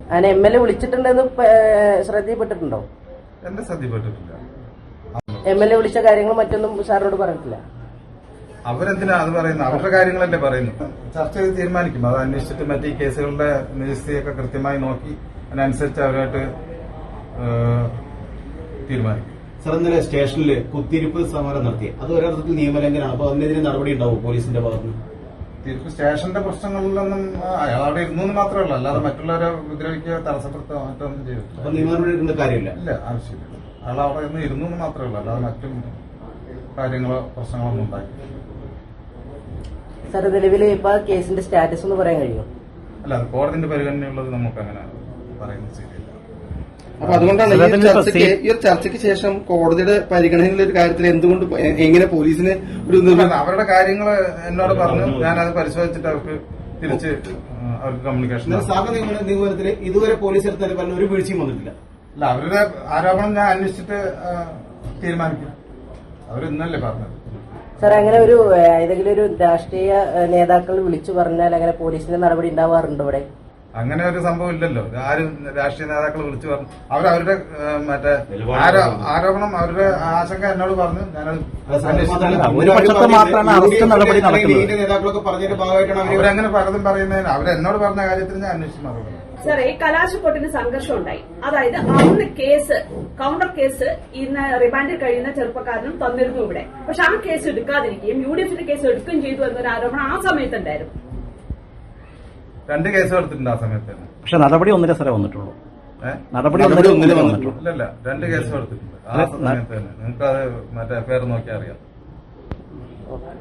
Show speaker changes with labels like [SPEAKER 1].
[SPEAKER 1] അങ്ങനെ MLA വിളിച്ചിട്ടുണ്ടെന്ന് ശ്രദ്ധയിൽപ്പെട്ടിട്ടുണ്ടോ?
[SPEAKER 2] എന്റെ ശ്രദ്ധയിൽപ്പെട്ടിട്ടില്ല.
[SPEAKER 1] MLA വിളിച്ച കാര്യങ്ങൾ മറ്റൊന്നും സാറിനോട് പറഞ്ഞിട്ടില്ല?
[SPEAKER 2] അവരെന്തിനാ അത് പറയുന്നത്? അവരുടെ കാര്യങ്ങളല്ലേ പറയുന്നു. ചർച്ച ചെയ്ത് തീരുമാനിക്കും. അത് അന്വേഷിച്ചിട്ട് മറ്റേ കേസുകളുടെ നിജസ്ഥിതിയൊക്കെ കൃത്യമായി നോക്കി അതിനനുസരിച്ച് അവരായിട്ട് തീരുമാനിക്കും.
[SPEAKER 3] സാർ, ഇന്നലെ സ്റ്റേഷനിൽ കുത്തിയിരിപ്പ് സമരം നടത്തി. അത് ഒരർത്ഥത്തിൽ നിയമലംഘനമാണ്. അപ്പൊ അതിനെതിരെ നടപടി ഉണ്ടാവും പോലീസിന്റെ ഭാഗത്ത്?
[SPEAKER 2] തിരുപ്പ് സ്റ്റേഷന്റെ പ്രശ്നങ്ങളിലൊന്നും അയാൾ അവിടെ ഇരുന്നു മാത്രമേ ഉള്ളൂ, അല്ലാതെ മറ്റുള്ളവരെ ഉപദ്രവിക്കുക, തടസ്സപ്പെടുത്തുക മറ്റൊന്നും ചെയ്തിട്ടില്ല.
[SPEAKER 3] അപ്പൊ നിയമ നടപടി എടുക്കേണ്ട കാര്യമില്ല?
[SPEAKER 2] ഇല്ല, ആവശ്യമില്ല. അയാൾ അവിടെ ഇരുന്നു മാത്രമേ ഉള്ളൂ, അല്ലാതെ മറ്റും കാര്യങ്ങളോ പ്രശ്നങ്ങളൊന്നും ഉണ്ടാക്കിയില്ല.
[SPEAKER 1] സാർ, നിലവിൽ ഇപ്പൊ കേസിന്റെ സ്റ്റാറ്റസ് ഒന്ന് പറയാൻ കഴിയുമോ?
[SPEAKER 2] അല്ല, അത് കോടതിന്റെ പരിഗണനയുള്ളത് നമുക്ക് അങ്ങനെ പറയുന്നത് ശരിയല്ല.
[SPEAKER 4] അപ്പൊ അതുകൊണ്ടാണ് ഈ ഒരു ചർച്ചയ്ക്ക് ശേഷം കോടതിയുടെ പരിഗണനയിലുള്ള ഒരു കാര്യത്തിൽ എന്തുകൊണ്ട് എങ്ങനെ പോലീസിന് ഒരു
[SPEAKER 2] അവരുടെ കാര്യങ്ങൾ എന്നോട് പറഞ്ഞു, ഞാനത് പരിശോധിച്ചിട്ട് അവർക്ക് തിരിച്ച് അവർക്ക് കമ്മ്യൂണിക്കേഷൻ.
[SPEAKER 3] നിഗമനത്തിൽ ഇതുവരെ പോലീസ് എടുത്താൽ ഒരു വീഴ്ചയും വന്നിട്ടില്ല.
[SPEAKER 2] അല്ല, അവരുടെ ആരോപണം ഞാൻ അന്വേഷിച്ചിട്ട് തീരുമാനിക്കും. അവർ ഇന്നല്ലേ പറഞ്ഞത്.
[SPEAKER 1] സാർ, അങ്ങനെ ഒരു ഏതെങ്കിലും ഒരു രാഷ്ട്രീയ നേതാക്കൾ വിളിച്ചു പറഞ്ഞാൽ അങ്ങനെ പോലീസിന്റെ നടപടി ഉണ്ടാവാറുണ്ടോ ഇവിടെ?
[SPEAKER 2] അങ്ങനെ ഒരു സംഭവം ഇല്ലല്ലോ. ആരും രാഷ്ട്രീയ നേതാക്കൾ വിളിച്ചു പറഞ്ഞു. അവരവരുടെ മറ്റേ ആരോപണം, അവരുടെ ആശങ്ക എന്നോട് പറഞ്ഞു. ഞാനത് അവരങ്ങനെ പലതും പറയുന്നതിന് അവരെന്നോട് പറഞ്ഞ കാര്യത്തിന് ഞാൻ അന്വേഷിച്ച് മറുപടി.
[SPEAKER 5] സാറേ, കലാശക്കൊട്ടിന് സംഘർഷം ഉണ്ടായി. അതായത് അന്ന് കേസ് കൌണ്ടർ കേസ് ഇന്ന് റിമാൻഡിൽ കഴിയുന്ന ചെറുപ്പക്കാരനും തന്നിരുന്നു ഇവിടെ. പക്ഷെ ആ കേസ് എടുക്കാതിരിക്കുകയും UDF കേസ് എടുക്കുകയും ചെയ്തു എന്നൊരു ആരോപണം ആ സമയത്തുണ്ടായിരുന്നു.
[SPEAKER 2] 2 കേസ് എടുത്തിട്ടുണ്ട് ആ സമയത്ത്.
[SPEAKER 6] പക്ഷെ നടപടി ഒന്നിലെ സ്ഥലം വന്നിട്ടുള്ളൂ. നടപടി
[SPEAKER 2] ഇല്ലല്ല, 2 കേസ് എടുത്തിട്ടുണ്ട് ആ സമയത്ത് തന്നെ. നിങ്ങൾക്ക് അത് മറ്റേ പേര് നോക്കിയാൽ അറിയാം.